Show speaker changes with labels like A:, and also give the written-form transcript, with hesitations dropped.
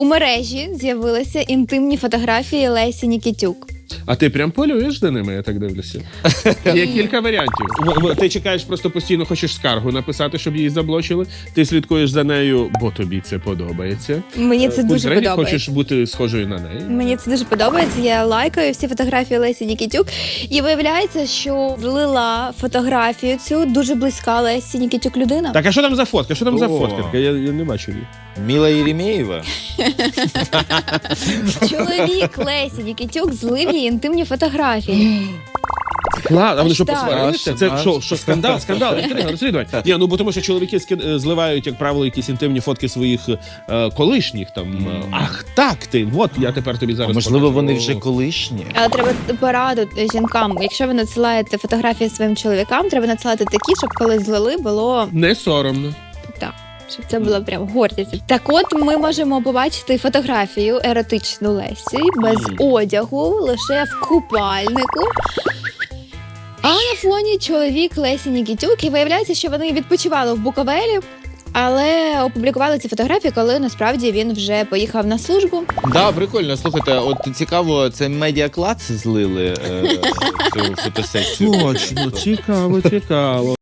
A: У мережі з'явилися інтимні фотографії Лесі Нікітюк.
B: А ти прям полюєш за ними, я так дивлюся. Є кілька варіантів. Ти чекаєш, просто постійно хочеш скаргу написати, щоб її заблочили. Ти слідкуєш за нею, бо тобі це подобається.
A: Мені це дуже
B: Зрені
A: подобається.
B: хочеш бути схожою на неї.
A: Мені це дуже подобається. Я лайкаю всі фотографії Лесі Нікітюк. І виявляється, що злила фотографію цю дуже близька Лесі Нікітюк людина.
B: Так, а що там за фотка? Що там за
C: О.
B: фотка? Я не бачу її.
C: Міла Єремєєва?
A: Чоловік Лесі Нікітюк злив її інтимні фотографії.
B: Ладно, а вони що,
A: Так.
B: посварилися? Це що, скандал, інтрига, розслідування. Ні, ну бо тому що чоловіки зливають, як правило, якісь інтимні фотки своїх колишніх там. Ах, так ти, от я тепер тобі зараз
C: Можливо,
B: покажу.
C: вони вже колишні?
A: Але треба пораду жінкам. Якщо ви надсилаєте фотографії своїм чоловікам, треба надсилати такі, щоб коли злили, було
B: Не соромно.
A: так. Щоб це була прям гордість. Так от ми можемо побачити фотографію еротичну Лесі без одягу, лише в купальнику. А на фоні чоловік Лесі Нікітюк. І виявляється, що вони відпочивали в Буковелі, але опублікували ці фотографії, коли насправді він вже поїхав на службу.
C: Да, прикольно. Слухайте, от цікаво, це медіаклац злили цю фотосесію?
B: Точно, цікаво.